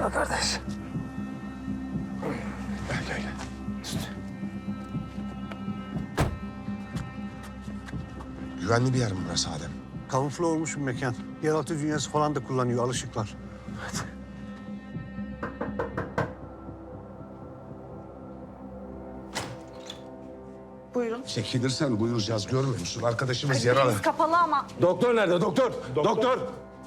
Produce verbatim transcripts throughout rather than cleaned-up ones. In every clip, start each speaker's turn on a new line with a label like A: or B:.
A: Gel kardeş. Gel gel gel.
B: Güvenli bir yer mi burası Adem?
C: Kamufle olmuş bir mekan. Yeraltı dünyası falan da kullanıyor, alışıklar.
A: Hadi.
D: Buyurun.
B: Çekilirsen buyuracağız, görmüyor musun? Arkadaşımız yaralı.
D: Biz kapalı ama
A: Doktor nerede? Doktor. Doktor.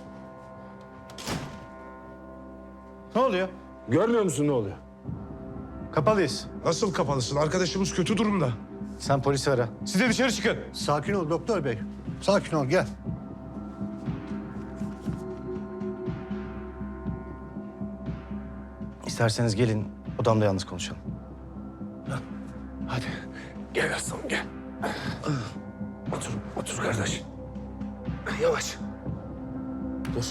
E: Ne oluyor?
A: Görmüyor musun ne oluyor?
E: Kapalıyız.
B: Nasıl kapalısın? Arkadaşımız kötü durumda.
E: Sen polisi ara. Siz de dışarı çıkın.
C: Sakin ol doktor bey. Sakin ol, gel.
E: İsterseniz gelin odamda yalnız konuşalım.
A: Hadi. Gel aslanım gel. Otur, otur kardeş. Yavaş. Dur.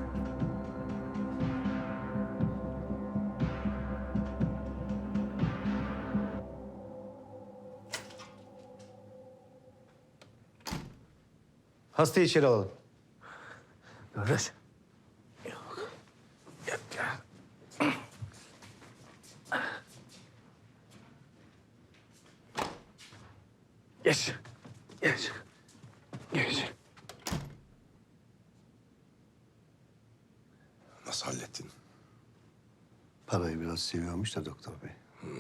E: Hastayı içeri alalım.
A: Kardeş. Yok. Gel gel. Geç. Geç. Geç.
B: Nasıl hallettin?
C: Parayı biraz seviyormuş da doktor bey.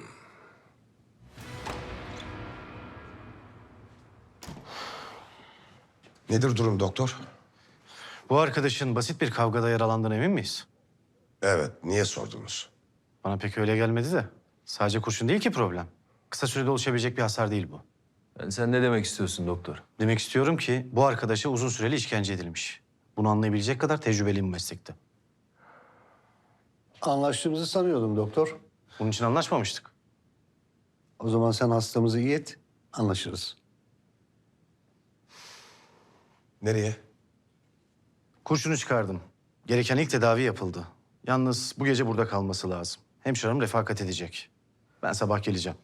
B: Nedir durum doktor?
E: Bu arkadaşın basit bir kavgada yaralandığına emin miyiz?
B: Evet, niye sordunuz?
E: Bana pek öyle gelmedi de. Sadece kurşun değil ki problem. Kısa sürede oluşabilecek bir hasar değil bu.
F: Yani sen ne demek istiyorsun doktor?
E: Demek istiyorum ki bu arkadaşa uzun süreli işkence edilmiş. Bunu anlayabilecek kadar tecrübeliyim bu meslekte.
C: Anlaştığımızı sanıyordum doktor.
E: Bunun için anlaşmamıştık.
C: O zaman sen hastamızı iyi et, anlaşırız.
B: Nereye?
E: Kurşunu çıkardım. Gereken ilk tedavi yapıldı. Yalnız bu gece burada kalması lazım. Hemşirem refakat edecek. Ben sabah geleceğim.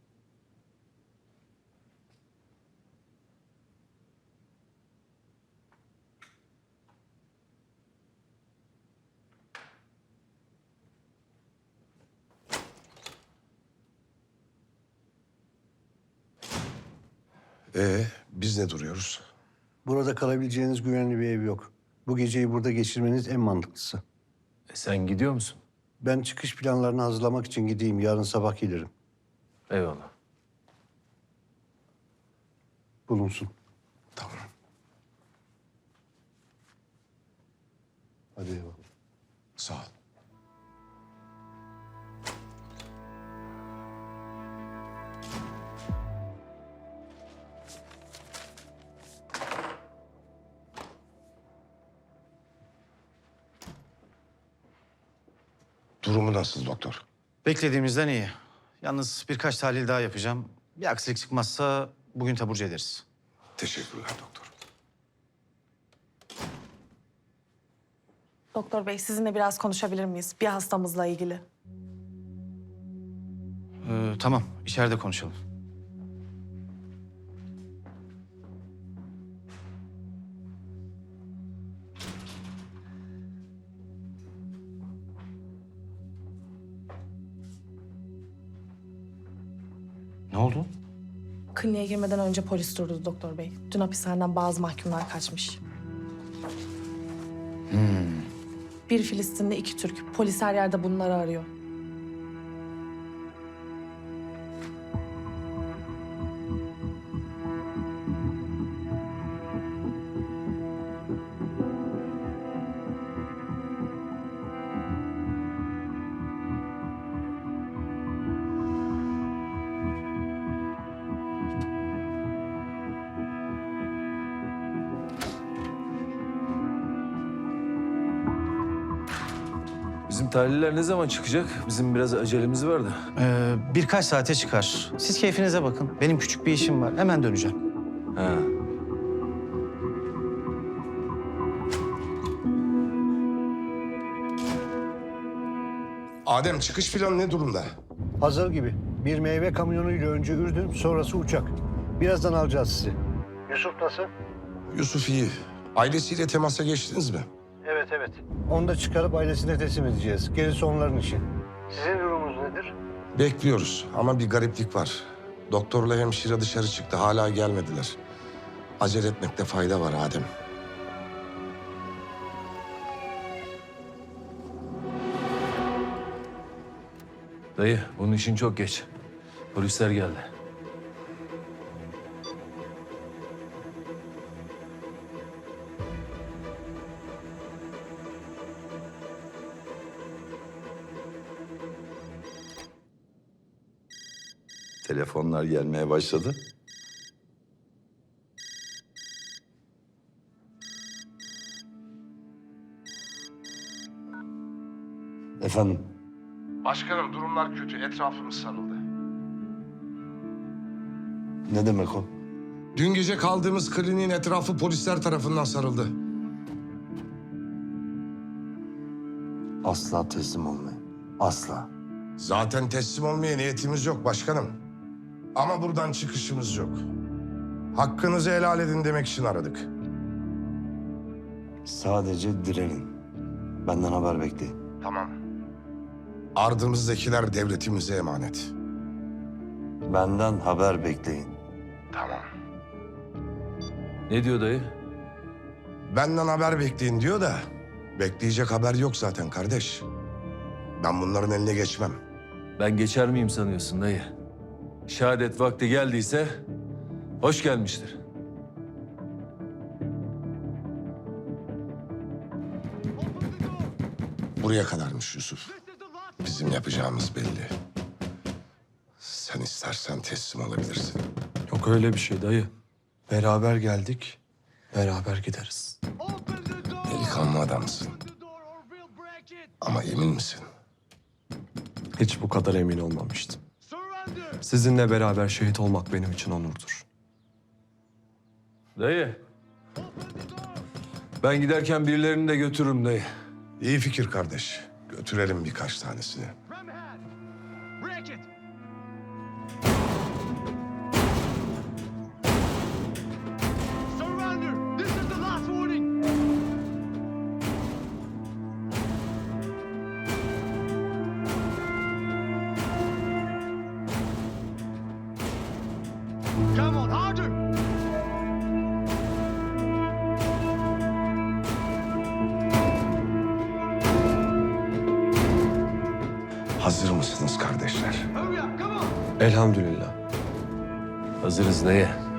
B: Ee, biz ne duruyoruz?
C: Burada kalabileceğiniz güvenli bir ev yok. Bu geceyi burada geçirmeniz en mantıklısı.
F: E sen gidiyor musun?
C: Ben çıkış planlarını hazırlamak için gideyim. Yarın sabah gelirim.
F: Eyvallah.
C: Bulunsun.
B: Tamam.
C: Hadi eyvallah.
B: Sağ ol. Durumu nasıl doktor?
E: Beklediğimizden iyi. Yalnız birkaç tahlil daha yapacağım. Bir aksilik çıkmazsa bugün taburcu ederiz.
B: Teşekkürler doktor.
D: doktor bey sizinle biraz konuşabilir miyiz? Bir hastamızla ilgili.
E: Ee, tamam, içeride konuşalım. Ne oldu?
D: Kliniğe girmeden önce polis durdu doktor bey. Dün hapishaneden bazı mahkumlar kaçmış. Bir Filistinli, iki Türk. Polis her yerde bunları arıyor.
F: Bizim tahliller ne zaman çıkacak? Bizim biraz acelemiz var da.
E: Ee, birkaç saate çıkar. Siz keyfinize bakın. Benim küçük bir işim var. Hemen döneceğim.
F: Ha.
B: Adem, çıkış planı ne durumda?
C: Hazır gibi. Bir meyve kamyonuyla önce Ürdün, sonrası uçak. Birazdan alacağız sizi. Yusuf nasıl?
B: Yusuf iyi. Ailesiyle temasa geçtiniz mi?
C: Evet, evet. Onu da çıkarıp ailesine teslim edeceğiz. Gerisi onların işi. Sizin durumunuz nedir?
B: Bekliyoruz ama bir gariplik var. Doktorla hemşire dışarı çıktı. Hala gelmediler. Acele etmekte fayda var Adem.
F: Dayı, bunun için çok geç. Polisler geldi.
G: Telefonlar gelmeye başladı.
C: Efendim?
B: Başkanım durumlar kötü. Etrafımız sarıldı.
C: Ne demek o?
B: Dün gece kaldığımız kliniğin etrafı polisler tarafından sarıldı.
C: Asla teslim olmayın. Asla.
B: Zaten teslim olmaya niyetimiz yok başkanım. Ama buradan çıkışımız yok. Hakkınızı helal edin demek için aradık.
C: Sadece direnin. Benden haber bekleyin.
B: Tamam. Ardımızdakiler devletimize emanet.
C: Benden haber bekleyin.
B: Tamam.
F: Ne diyor dayı?
B: Benden haber bekleyin diyor da... bekleyecek haber yok zaten kardeş. Ben bunların eline geçmem.
F: Ben geçer miyim sanıyorsun dayı? Şehadet vakti geldiyse hoş gelmiştir.
B: Buraya kadarmış Yusuf. Bizim yapacağımız belli. Sen istersen teslim olabilirsin.
A: Yok öyle bir şey dayı. Beraber geldik, beraber gideriz.
B: Delikanlı adamsın. Ama emin misin?
A: Hiç bu kadar emin olmamıştım. Sizinle beraber şehit olmak benim için onurdur.
F: Dayı. Ben giderken birilerini de götürürüm dayı.
B: İyi fikir kardeş. Götürelim birkaç tanesini. Hazır mısınız kardeşler?
A: Elhamdülillah.
F: Hazırız dayı.